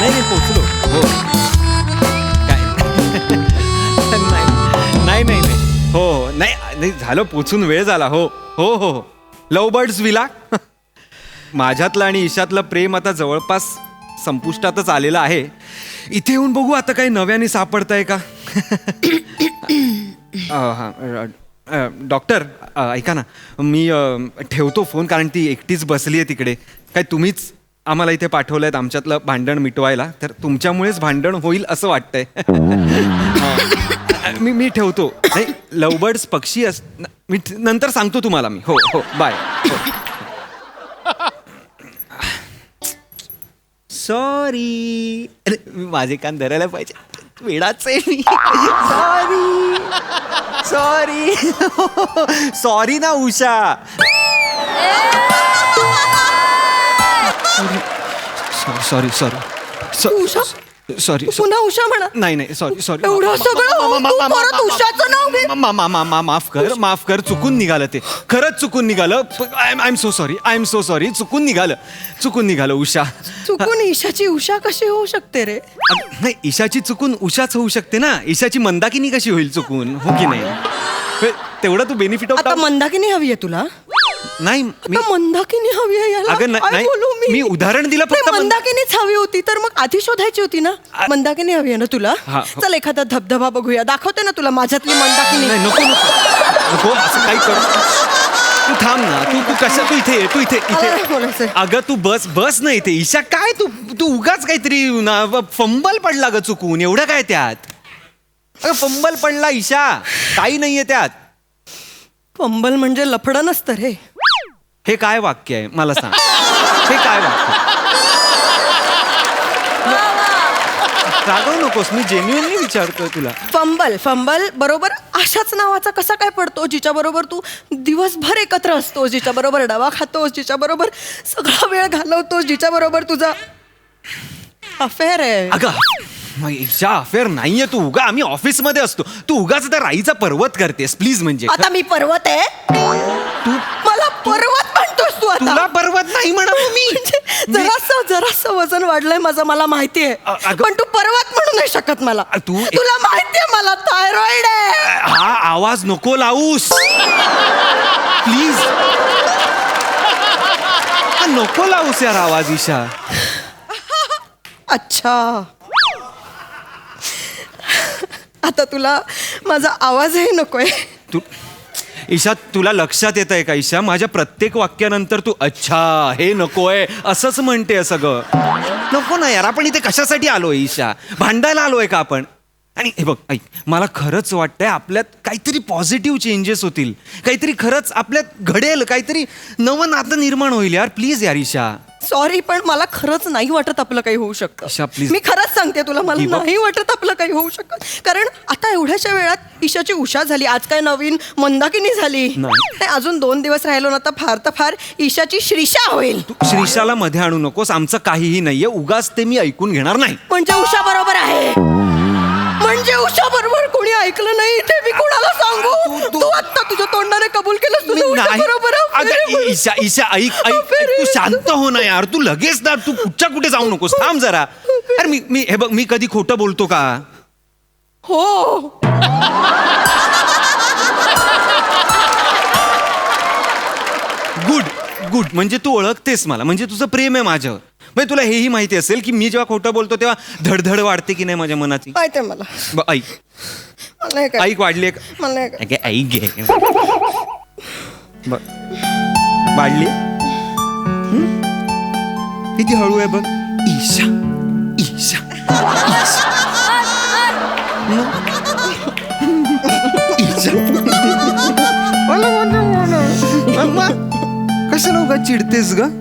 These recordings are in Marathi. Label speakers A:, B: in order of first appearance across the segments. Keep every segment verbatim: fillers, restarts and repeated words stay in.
A: नाही नाही पोचलो. हो काय नाही नाही नाही नाही हो हो नाही नाही झालं पोचून वेळ झाला. हो हो हो हो लव बर्ड्स विला. माझ्यातलं आणि ईशातलं प्रेम आता जवळपास संपुष्टातच आलेलं आहे. इथे येऊन बघू आता काही नव्याने सापडतंय का. हां डॉक्टर ऐका ना मी ठेवतो फोन कारण ती एकटीच बसली आहे तिकडे. काय तुम्हीच आम्हाला इथे पाठवलं आहेत आमच्यातलं भांडण मिटवायला तर तुमच्यामुळेच भांडण होईल असं वाटतंय. मी मी ठेवतो. नाही लवबर्ड्स पक्षी अस मी नंतर सांगतो तुम्हाला मी. हो हो बाय. सॉरी अरे माझे कान धरायला पाहिजे वेडाच आहे मी. सॉरी सॉरी सॉरी ना Usha. Sorry sorry
B: Usha
A: sorry
B: पुन्हा उषा म्हणा.
A: नाही नाही सॉरी सॉरी
B: एवढं सगळं तू परत उषाचं नाव घे.
A: माफ कर माफ कर चुकून निघालं ते. खरंच चुकून निघालं. I am so sorry I am so sorry चुकून निघालं चुकून निघालं उषा.
B: चुकून ईशाची उषा कशी होऊ शकते रे.
A: नाही ईशाची चुकून उषाच होऊ शकते ना. ईशाची मंदाकिनी कशी होईल चुकून हो की नाही. तेवढा तू बेनिफिट
B: आता मंदाकिनी हवी आहे तुला.
A: नाही
B: आता मंदाकिनी हवी आहे याला.
A: अगं
B: काय
A: नाही
B: बोलू मी
A: मी उदाहरण दिलं फक्त.
B: मंदाकिनीच हवी होती तर मग आधी शोधायची होती ना. मंदाकिनी हवी आहे ना तुला.
A: हा.
B: चल एखादा धबधबा बघूया. दाखवते ना तुला माझ्यातली मंदाकिनी.
A: नाही नको नको नको असं काही कर. तू थांब ना. तू तू कशा तू इथे ये, तू इथे इथे. अगं तू बस बस ना इथे. ईशा काय तू तू उगाच काहीतरी फंबल पडला ग चुकून. एवढं काय त्यात. अगं फंबल पडला ईशा काही नाहीये त्यात.
B: फंबल म्हणजे लफडं नसतं रे.
A: हे काय वाक्य आहे मला सांग. हे काय वाक्य. रागवू नकोस मी जेन्युइनली विचारतोय तुला.
B: फंबल फंबल बरोबर अशाच नावाचा कसा काय पडतो जिच्या बरोबर तू दिवसभर एकत्र असतोस, जिच्या बरोबर डबा खातोस, जिच्या बरोबर सगळा वेळ घालवतोस, जिच्या बरोबर तुझा अफेअर आहे.
A: अगं ईशा अफेअर नाहीये. तू उगा आम्ही ऑफिस मध्ये असतो. तू उगाच त्या राईचा पर्वत करतेस प्लीज. म्हणजे
B: आता मी पर्वत आहे.
A: तू
B: मला पर्वत म्हणतोस तू आता.
A: तुला पर्वत नाही म्हणा मी.
B: जरासं जरासं वजन वाढलंय माझं मला माहिती आहे. पण तू पर्वत म्हणू नाही शकत मला.
A: तू
B: तुला माहितीये मला थायरॉइड आहे.
A: हा आवाज नको लावूस प्लीज. नको लावूस यार आवाज ईशा.
B: अच्छा आता तुला माझा आवाजही नकोय.
A: तू ईशा तुला लक्षात येत आहे का ईशा माझ्या प्रत्येक वाक्यानंतर तू अच्छा हे नकोय असंच म्हणते सगळं. नको ना यार. आपण इथे कशासाठी आलोय ईशा. भांडायला आलोय का आपण. आणि हे बघ ऐक मला खरंच वाटतंय आपल्यात काहीतरी पॉझिटिव्ह चेंजेस होतील. काहीतरी खरंच आपल्यात घडेल. काहीतरी नवं नातं निर्माण होईल यार प्लीज यार ईशा.
B: सॉरी पण मला खरंच नाही वाटत आपलं काही होऊ शकतं.
A: ईशा प्लीज.
B: मी खरंच सांगते तुला मला नाही वाटत आपलं काही होऊ शकत. कारण आता एवढ्याशा वेळात ईशाची उषा झाली. आज काय नवीन मंदाकिनी झाली. अजून दोन दिवस राहिलो ना तर फार तर फार ईशाची श्रीषा होईल.
A: तू श्रीषाला मध्ये आणू नकोस. आमचं काहीही नाहीये. उगाच ते मी ऐकून घेणार नाही.
B: म्हणजे उषा बरोबर आहे. म्हणजे उषा बरोबर कोणी ऐकलं नाही इथे मी कोणाला सांगू. तू आता तुझ्या तोंडाने कबूल केलंस तुझं उषा बरोबर आहे.
A: ईशा ईशा ऐक ऐक तू शांत हो ना यार. तू लगेच ना तू कुठच्या कुठे जाऊ नकोस. थांब जरा. अरे मी मी हे बघ मी कधी खोटं बोलतो का.
B: हो
A: गुड गुड. म्हणजे तू ओळखतेस मला. म्हणजे तुझं प्रेम आहे माझ्यावर. म्हणजे तुला हेही माहिती असेल की मी जेव्हा खोटं बोलतो तेव्हा धडधड वाढते की नाही माझ्या मनाची.
B: माहिती आहे मला.
A: ऐक ऐक वाढली
B: मला
A: ऐक घे वाढली. किती हळू आहे बघ. ईशा ईशा कशाला उगा चिडतेस ग.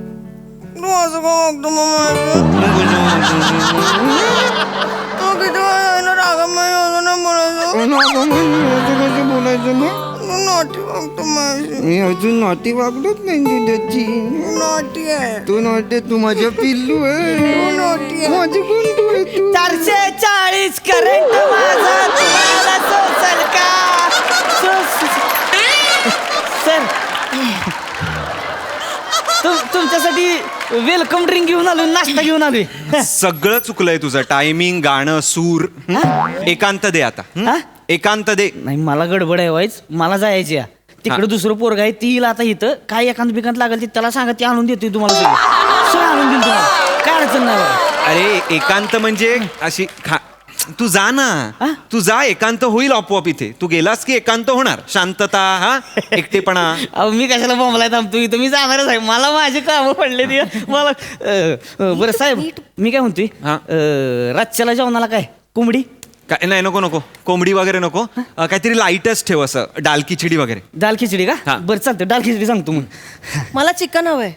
C: मी अजून नॉटी वागलोच नाही दुधाची.
B: नॉटी आहे
C: तू नॉटी. तू माझ्या पिल्लू आहे.
B: नॉटी
C: माझी गुंडू आहे तू.
B: चारशे चाळीस करंट माझा तुम्हाला सोचल का. सर
D: तुम- तुमच्यासाठी वेलकम ड्रिंक घेऊन आलोय, नाश्ता घेऊन आलोय.
A: सगळं चुकलंय तुझं. टायमिंग, गाणं, सूर. हं? एकांत दे आता. हं?
D: हा?
A: एकांत दे.
D: नाही मला गडबड आहे वाईच, मला जायची आहे. तिकडे दुसरं पोरग आहे ती आता इथं काय एकांत बिकांत लागेल ते त्याला सांगा, ती आणून देते तुम्हाला सगळं सगळं आणून देईल तुम्हाला, काय अडचण नाही बघा.
A: अरे एकांत म्हणजे अशी खा तू जा
D: हा?
A: ना. तू जा, एकांत होईल आपोआप इथे. तू गेलास की एकांत होणार. शांतता, हा एकटेपणा.
D: अहो मी कशाला बॉम्बलाय थांबतो इथं, मी जाणारच आहे. मला माझे कामं पडले ते मला अं, अं, बरं साहेब मी काय म्हणतोय,
A: हा.
D: अं, रातच्याला जेवणाला काय कोंबडी?
A: काय नाही, नको नको कोंबडी वगैरे नको. अं, काहीतरी लाईटच ठेव, असं डाल खिचडी वगैरे.
D: दाल खिचडी
A: हा.
D: का? बरं चालतं, दाल खिचडी सांगतो मग.
B: मला चिकन हवंय.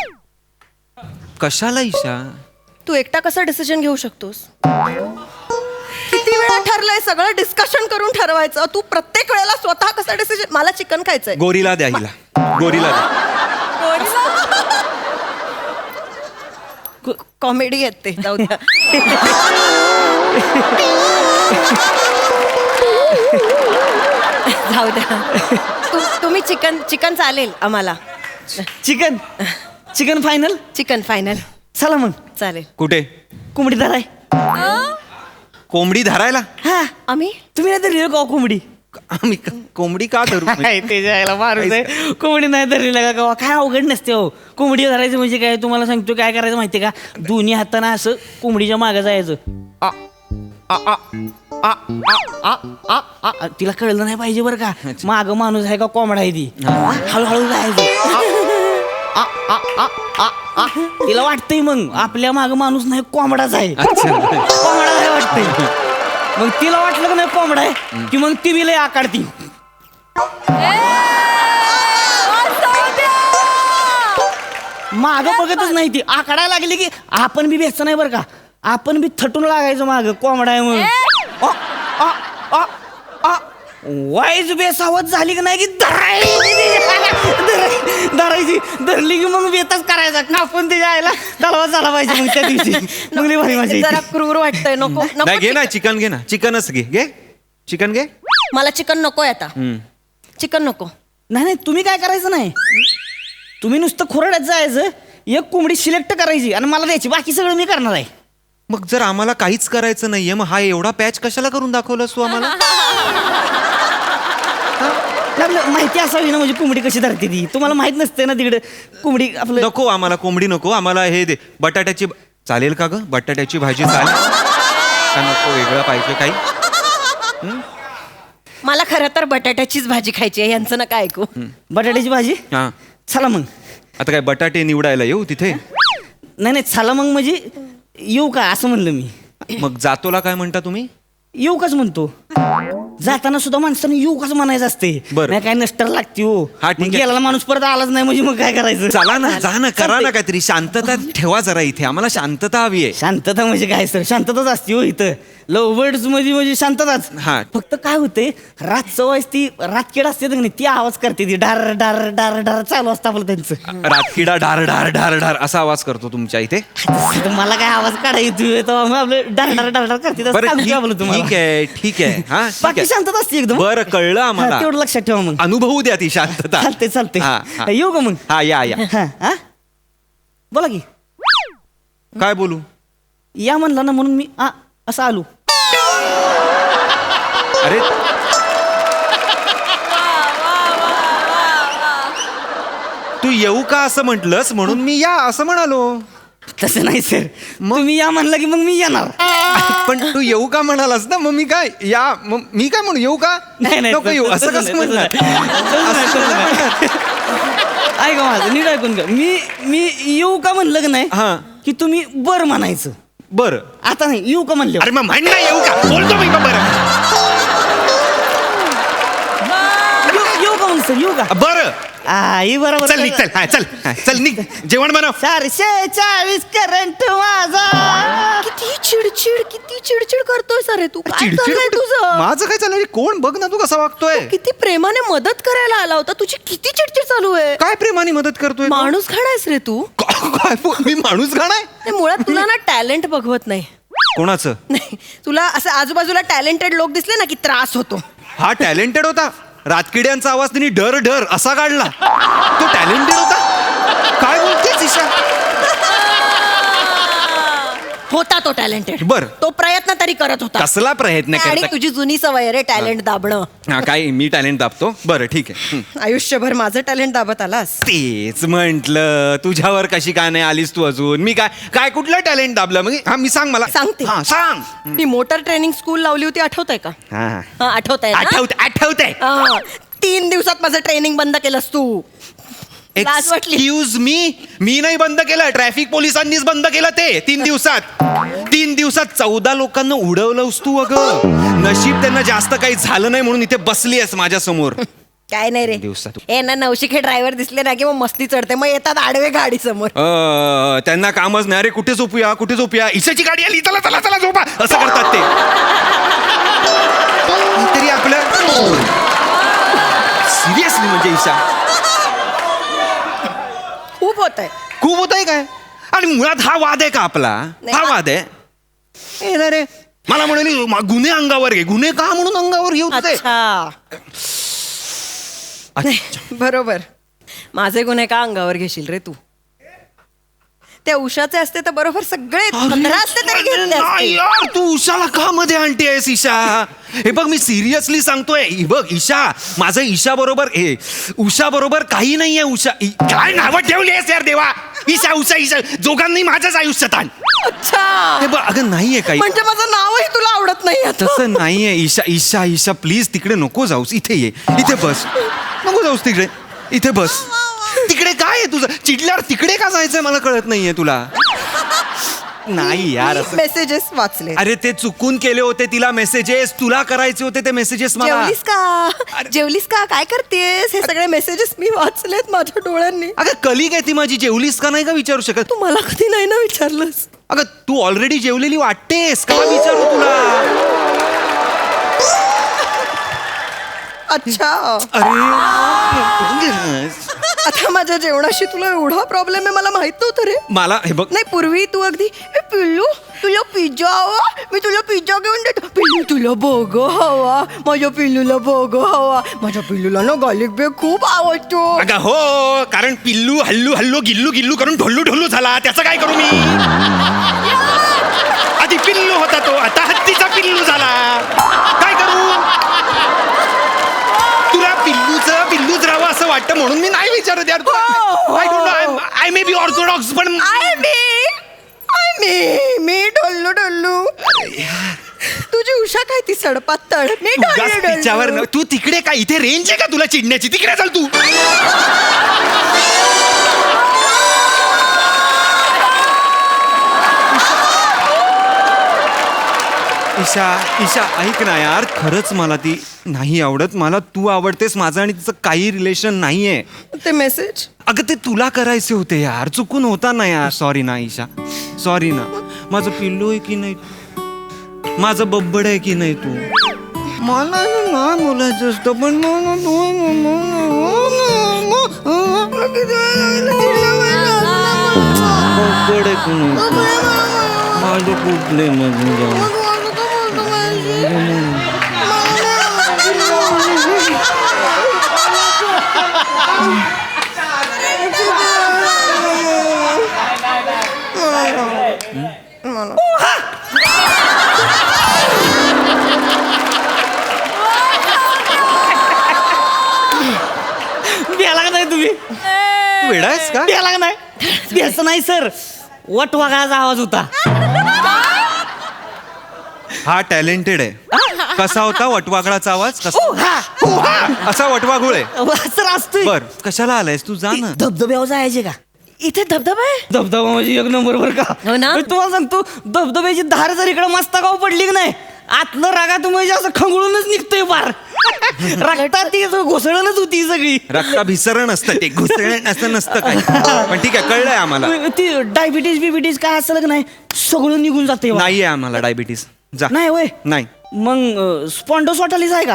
A: कशाला ईशा?
B: तू एकटा कसा डिसिजन घेऊ शकतोस? किती वेळा ठरलंय, सगळं डिस्कशन करून ठरवायचं. तू प्रत्येक वेळेला स्वतः कसा डिसिजन? मला चिकन खायचंय.
A: गोरीला द्या हिला. गोरीला द्या.
B: कॉमेडी येते, जाऊ द्या. जाऊ द्या. तु- तुम्ही चिकन चिकन चालेल आम्हाला.
D: Chicken chicken final.
B: Chicken final
D: चला मग
B: चालेल.
A: कुठे?
D: कोंबडी धराय.
A: कोंबडी धरायला?
D: हा
B: आम्ही
D: तुम्ही नाही धरली का कोंबडी?
A: आम्ही क- कोंबडी का धरू?
D: ते जायला मारून आहे. कोंबडी नाही धरली का गावा, काय अवघड नसते हो. कोंबडी धरायचं म्हणजे काय, तुम्हाला सांगतो काय करायचं माहितीये का, दोन्ही हाताना असं कोंबडीच्या मागे जायचं. आ, आ, आ, आ, आ, आ, आ, आ. तिला कळलं नाही पाहिजे बरं का, माग माणूस आहे का कोंबडा आहे ती. हळूहळू जायचं. आ, आ, आ, आ, आ. तिला वाटतंय मग आपल्या माग माणूस नाही, कोंबडाच आहे. कोंबडा आहे वाटतंय. मग तिला वाटलं का नाही कोंबडा आहे की मग ती लय आकाडती. माग बघतच नाही ती, आकाडायला लागली की आपण बी भेटचं नाही बरं का, आपण बी थटून लागायचं माग, कोंबडा आहे म्हणून. अ, अ, अ, अ. वाईज बेसावत झाली की नाही की धरायची धरायची धरली की मग बेतच करायचा, कापून ते जायला तलवा झाला पाहिजे मग त्या दिवशी. मग लई भारी मजा
B: जरा
D: येते.
B: क्रूर वाटतंय. नको नको
A: नाही, घे ना
B: चिकन.
A: चिकन. घे ना चिकनच घे. घे चिकन घे.
B: मला चिकन नकोय आता.
A: हम्म.
B: चिकन नको.
D: नाही नाही तुम्ही काय करायचं नाही, तुम्ही नुसतं खोरड्यात जायचं, एक कोंबडी सिलेक्ट करायची आणि मला द्यायची, बाकी सगळं मी करणार आहे.
A: मग जर आम्हाला काहीच करायचं नाहीये, मग हा एवढा पॅच कशाला करून दाखवलास तू आम्हाला?
D: आपलं माहिती असावी ना, म्हणजे कोंबडी कशी धरते ती, तुम्हाला माहित नसते ना तिकडे कोंबडी आपलं.
A: नको आम्हाला कोंबडी नको. आम्हाला हे दे, बटाट्याची ब- चालेल का ग? बटाट्याची भाजी चालेल का? नको वेगळं पाहिजे काही?
B: मला खरं तर बटाट्याचीच भाजी खायची आहे, यांचं नका ऐकू.
D: बटाट्याची भाजी.
A: हा.
D: चला मग.
A: आता काय बटाटे निवडायला येऊ तिथे?
D: नाही नाही चला मग, म्हणजे येऊ का असं म्हणलं मी.
A: मग जातोला काय म्हणता तुम्ही?
D: येऊ काच म्हणतो. जाताना सुद्धा माणसानं येऊ काच म्हणायचं असते.
A: बरं.
D: नाही काय नष्टर लागते हो.
A: हा, ठीक
D: मग
A: आहे.
D: गेलेला माणूस परत आलाच नाही म्हणजे मग काय करायचं.
A: चला ना, जा ना, करा ना
D: चालतंय.
A: काहीतरी. शांतता ठेवा जरा इथे. आम्हाला शांतता हवी आहे.
D: शांतता म्हणजे काय सर, शांतताच असते हो इथं. लव्ह बर्ड्स मध्ये म्हणजे शांतताच.
A: हा.
D: फक्त काय होते, रातचं वाईस ती रातकीड असते ना, ती आवाज करते, ती डार डार डार डार चालू असतं आपलं त्यांचं.
A: रातकिडा ढार ढार ढार ढार असा आवाज करतो तुमच्या इथे.
D: तर मला काय आवाज काढायचा येतो, मग आपलं डार डार डार डार करते तसं
A: बरं
D: सांगू
A: ठीक
D: का आपलं तुम्हाला?
A: ठीक आहे ठीक आहे. हा ठीक
D: बाकी
A: आहे.
D: शांतता असते एकदम.
A: बरं कळलं
D: हा,
A: आम्हाला.
D: तेवढं लक्षात ठेवा मग.
A: अनुभवू द्या ती शांतता.
D: चालते चालते.
A: हा, हा.
D: येऊ का मग?
A: हा या या.
D: हा, हा? बोला की.
A: काय बोलू?
D: या म्हणला ना म्हणून मी आ, असं आलो.
A: अरे तू येऊ का असं म्हटलंस म्हणून मी या असं म्हणालो.
D: तसं नाही सर, तुम्ही या म्हणला की मग मी येणार.
A: पण तू येऊ का म्हणालास ना, मग मी काय या मग मी काय म्हणू? येऊ का?
D: नाही नाही
A: नको येऊ
D: तसं-
A: असं
D: तसं
A: कसं
D: नाही,
A: म्हणणार?
D: तसं नाही, तसं नाही. ऐका माझं नीट ऐकून घ्या. मी मी येऊ का म्हणलं की नाही,
A: हा.
D: की तुम्ही बर म्हणायचं.
A: बरं.
D: आता नाही, येऊ का म्हणले.
A: अरे मग म्हण ना येऊ का? बोलतो मी मग बरं.
D: येऊ का म्हणलं सर, येऊ का?
A: बरं
D: आई बरोबर.
A: चल निघ चल. हा, चल हा, चल निघ. जेवण बनव.
D: चारशे चाळीस करंट माझा.
B: किती चिडचिड किती चिडचिड करतोय सर तू. काय
A: चिडचिड
B: चाललंय
A: कुठे?
B: तुझं?
A: माझं काय चाललंय? कोण बघ ना तू कसा वागतोय.
B: किती प्रेमाने मदत करायला आला होता, तुझी किती चिडचिड चालू आहे.
A: काय प्रेमाने मदत करतोय?
B: माणूस खाणायस रे तू.
A: का- काय बोल- मी माणूस गाणाय?
B: नाही, मुळात तुला ना टॅलेंट बघवत नाही.
A: कोणाचं?
B: नाही, तुला असं आजूबाजूला टॅलेंटेड लोक दिसले ना की त्रास होतो.
A: हा टॅलेंटेड होता. रातकिड्यांचा आवाज त्यांनी डर डर असा काढला. तो टॅलेंटेड होता. काय बोलतो ईशा?
B: होता तो टॅलेंटेड.
A: बर.
B: तो प्रयत्न तरी करत होता.
A: कसला प्रयत्न
B: आणि
A: करता?
B: तुझी जुनी सवय रे टॅलेंट दाबणं.
A: हा काय मी टॅलेंट दाबतो? बरं ठीक आहे. हं.
B: आयुष्यभर माझं टॅलेंट दाबत आलास.
A: तेच म्हंटल, तुझ्यावर कशी काय नाही आलीस तू अजून? मी काय काय कुठलं टॅलेंट दाबलं? मग हा मी सांग मला.
B: सांगते.
A: हा सांग.
B: मी मोटर ट्रेनिंग स्कूल लावली होती, आठवत आहे का?
A: हा
B: हा, आठवत आहे ना?
A: आठवत आठवतंय.
B: हा. तीन दिवसात माझं ट्रेनिंग बंद केलंस तू. लाज वाटली.
A: एक्सक्यूज मी मी नाही बंद केलं, ट्रॅफिक पोलिसांनीच बंद केलं ते तीन दिवसात. तीन दिवसात चौदा लोकांना उडवलंस तू. अगं नशीब त्यांना जास्त काही झालं नाही म्हणून इथे बसली आहेस माझ्या समोर.
B: काय नाही रे,
A: दिवसात.
B: ए ना नवशिके ड्रायव्हर दिसले ना की मग मस्ती चढते, मग येतात आडवे गाडी समोर.
A: अ, त्यांना कामच नाही. अरे कुठे झोपूया कुठे झोपूया, ईशाची गाडी आली, चला चला चला झोपा, असं करतात ते. तरी आपलं सिरियसली म्हणजे ईशा
B: खूप होत आहे.
A: खूप होत आहे काय? आणि मुळात हा वाद आहे का आपला?
B: नाही,
A: हा
B: हा-
A: वाद आहे. ए ना रे, मला म्हणाली "मा- गुन्हे अंगावर घे." गुन्हे का म्हणून अंगावर घेऊ तुझे?
B: अच्छा, नाही, बरोबर. माझे गुन्हे का अंगावर घेशील रे तू? त्या उषाचे असते तर बरोबर सगळे पंधरा असते तरी घेतले
A: नाही
B: असते.
A: यार, तू उषाला का मध्ये आणते आहेस ईशा? हे बघ मी सिरियसली सांगतोय. हे बघ ईशा, माझं ईशा बरोबर हे उषा बरोबर काही नाहीये. उषा इ- काय नावं ठेवली आहेस यार देवा? ईशा उषा ईशा दोघांनी माझ्याच आयुष्यात आण.
B: अच्छा,
A: हे बघ अगं नाहीये काही.
B: म्हणजे माझं नावही तुला आवडत नाही आता.
A: तसं नाहीये ईशा. ईशा ईशा प्लीज तिकडे नको जाऊस, इथे ये, इथे बस. नको जाऊस तिकडे, इथे बस. तिकडे काय आहे तुझं? चिडल्यावर तिकडे का जायचंय मला कळत नाहीये तुला. नाही यार असं.
B: मेसेजेस वाचले.
A: अरे ते चुकून केले होते तिला मेसेजेस, तुला करायचे होते ते मेसेजेस मला.
B: जेवलीस का? जेवलीस का? काय करतेस? हे सगळे मेसेजेस मी वाचलेत माझ्या डोळ्यांनी.
A: अगं कलिग आहे ती माझी, जेवलीस का नाही का विचारू शकत?
B: तू मला कधी नाही ना विचारलंस.
A: अगं तू ऑलरेडी जेवलेली वाटतेस, का विचारू तुला?
B: अच्छा,
A: अरे
B: आता माझ्या जेवणाशी तुला एवढा प्रॉब्लेम आहे मला माहित नव्हतं रे.
A: मला हे बघ,
B: नाही, पूर्वी तू अगदी "ए, पिल्लू तुला पिझ्झा हवा, मी तुला पिझ्झा घेऊन देतो. पिल्लू तुला बर्गर हवा, माझ्या पिल्लूला बर्गर हवा. माझ्या पिल्लूला ना गार्लिक ब्रेड खूप आवडतो.
A: अगं हो, कारण पिल्लू हल्लू हल्लू गिल्लू गिल्लू करून ढोल्लू ढोल्लू झाला. त्याचं काय करू मी? आधी पिल्लू होता तो, आता हत्तीचा पिल्लू झाला. काय करू? तुला पिल्लूचं पिल्लूच राहावं असं वाटतं म्हणून मी नाही विचारत यार. I don't know, I may be orthodox पण
B: आय मी आय मी मी डोल्लू डोल्लू. तुझी उषा काय ती सडपातळ. मी
A: उगाच
B: डोल्लू
A: तिच्यावर
B: डोल्लू.
A: न- तू तिकडे काय, इथे रेंज आहे का तुला चिडण्याची? तिकडे चल तू. ईशा ईशा ऐक ना यार, खरंच मला ती नाही आवडत. मला तू आवडतेस, माझं आणि तिचं काही रिलेशन नाहीये.
B: ते मेसेज
A: अगं ते तुला करायचे होते यार, चुकून होता ना यार. सॉरी ना ईशा, सॉरी ना. माझं पिल्लू आहे की नाही, माझं बब्बड आहे की नाही तू?
C: मला नाही बोलायचं असतं पण मला
A: बब्बड आहे की नाही? माझं कुठले मग
D: द्यायला का नाही तुम्ही?
A: वेडा आहेस का?
D: द्यायला का नाही? द्यायचं नाही सर, वट वाघाचा आवाज होता.
A: हा टॅलेंटेड आहे. कसा होता वटवागळाचा आवाज? कसा असा वटवागुळ आहे.
D: सर असतोय.
A: बर कशाला आलायस तू? जा ना.
D: धबधब्यावर जायचे का?
B: इथे धबधबा आहे.
D: धबधबा म्हणजे एक नंबर बर का.
B: हो ना?
D: मी तुम्हाला सांगतो, धबधब्याची धार जर इकडे मस्तकाव पडली की नाही, आतलं रागात म्हणजे असं खंगळूनच निघतोय पार. रक्तात ती घोसळणच होती सगळी.
A: रक्ताभिसरण असतं ते, घुसळण असं नसतं काय. पण ठीक आहे, कळलंय आम्हाला.
D: ती डायबिटीज बिबिटीज काय असलं की नाही, सगळं निघून जाते.
A: नाहीये आम्हाला डायबिटीस. जा.
D: नाही होय.
A: नाही.
D: मग स्पॉन्डोसॉटालिस आहे का?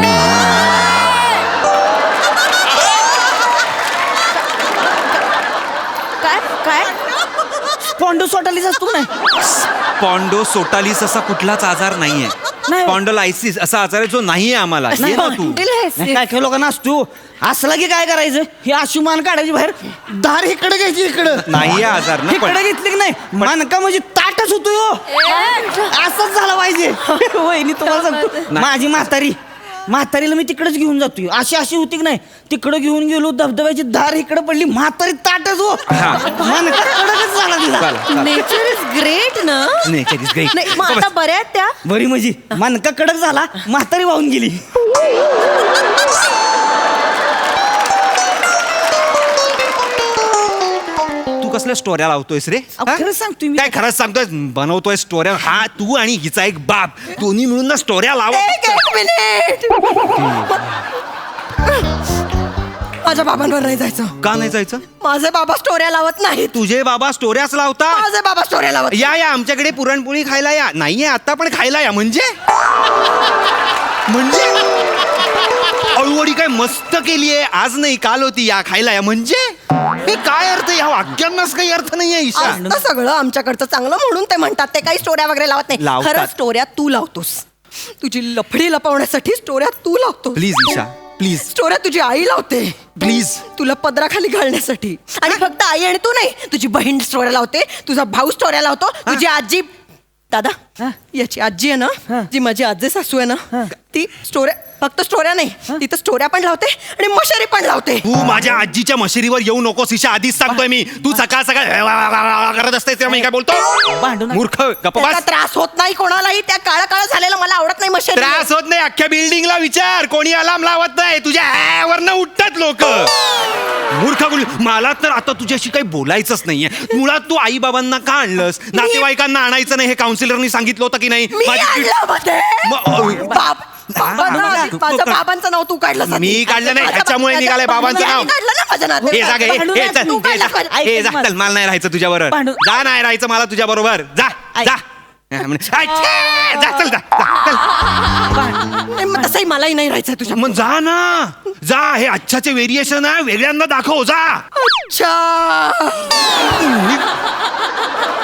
B: काय काय
D: स्पॉन्डोसॉटालिस असतो का नाही?
A: पॉन्डो सोटालिस असा कुठलाच आजार नाहीये.
D: नाही.
A: स्पॉन्डलायसिस असा आजार आहे जो नाहीये आम्हाला ये ना तू
D: नाही, काय काय लोकांना असतो असला की काय करायचं हे अशी मान काढायची बाहेर दार इकडे घ्यायची इकडं
A: नाहीये आजार ना पण
D: इकडे घेतली की नाही मानका म्हणजे ताटच होतो यो असंच झालं पाहिजे वहिनी तुम्हाला सांगतो माझी म्हातारी म्हातारीला मी तिकडेच घेऊन जातोय अशी अशी होती की नाही तिकडे घेऊन गेलो धबधब्याची धार इकडे पडली म्हातारी ताटच हो मानका कडकच झाला तिला
A: चला, चला.
B: नेचर इज ग्रेट ना
A: नाही कधीच काही
B: नाही मग आता बऱ्या आहेत त्या
D: बरी म्हणजे मानका कडक झाला म्हातारी वाहून गेली
A: तू कसल्या स्टोऱ्या लावतोयस रे
D: अहो,
A: हा?
D: खरंच सांगतोय मी.
A: काय खरंच सांगतोय बनवतोय स्टोऱ्या हा तू आणि हिचा एक बाप दोन्ही मिळून ना स्टोऱ्या लावा
B: एक एक मिनिट माझ्या बाबांवर नाही जायचं
A: का नाही जायचं
B: माझे बाबा स्टोऱ्या लावत नाहीत
A: तुझे बाबा स्टोऱ्याच लावता
B: माझे बाबा स्टोऱ्या लावत
A: या या आमच्याकडे पुरणपोळी खायला या नाहीये आता पण खायला या म्हणजे म्हणजे अळूवडी काय मस्त केलीये आज नाही काल होती या खायला या म्हणजे हे काय अर्थ या वाक्यांनाच काही अर्थ नाहीये ईशा
B: असतं सगळं आमच्याकडचं चांगलं म्हणून ते म्हणतात ते काही स्टोऱ्या वगैरे लावत नाही
A: लावतात.
B: खरं स्टोऱ्या तू लावतोस तुझी लफडी लपवण्यासाठी स्टोऱ्या तू लावतोस
A: प्लीज ईशा प्लीज
B: स्टोऱ्या तुझी आई लावते
A: प्लीज
B: तुला पदराखाली घालण्यासाठी आणि फक्त आई आणि तू नाही तुझी बहीण स्टोऱ्या लावते तुझा भाऊ स्टोऱ्या लावतो तुझी आजी दादा याची आजी आहे ना जी माझी आजी सासू आहे ना ती स्टोऱ्या फक्त स्टोऱ्या नाही ती तर स्टोऱ्या पण लावते आणि मशारी पण लावते
A: तू माझ्या आजीच्या मशिरीवर येऊ नकोस ईशा आधीच सांगतोय मी तू सकाळ सकाळ करत असते तेव्हा मी काय बोलतो
D: भांडू नका.
A: मूर्ख गप्प
B: त्याचा
A: बस.
B: त्रास होत नाही कोणालाही त्या काळा काळा झालेला मला आवडत नाही मशारी
A: त्रास होत नाही अख्ख्या बिल्डिंगला विचार कोणी अलार्म लावत नाही तुझ्या वरनं उठतात लोक मूर्ख बोल मला तर आता तुझ्याशी काही बोलायचंच नाहीये मुळात तू आई बाबांना का आणलंस नातेवाईकांना आणायचं नाही हे काउन्सिलरनी सांगितलं होतं की नाही
B: मी
A: माझी चिड-
B: आणलं मध्ये.
A: म-
B: बाप- बाबांना आधी माझ्या बाबांचं नाव तू काढलं
A: मी काढलं नाही, ह्याच्यामुळे निघालंय बाबांचं नाव.
B: काढलं ना माझ्या नावात.
A: हे जागे
D: भांडू
A: हे
D: नका,
A: चल
B: तू
A: हे
B: काय
A: जा
B: दाखवायला?
A: हे जा
D: ऐक
A: चल मला नाही राहायचं तुझ्या बरोबर
D: भांडू-
A: जा नाही राहायचं मला तुझ्या बरोबर जा
D: ऐक.
A: जा हा, म्हणे, "आय, छे, जा चल जा जा, चल
B: नाही, मग तसंही मलाही नाही राहायचं तुझ्या
A: मग जा ना जा हे अच्छाचे व्हेरिएशन आहे वेगळ्यांना दाखव जा
B: अच्छा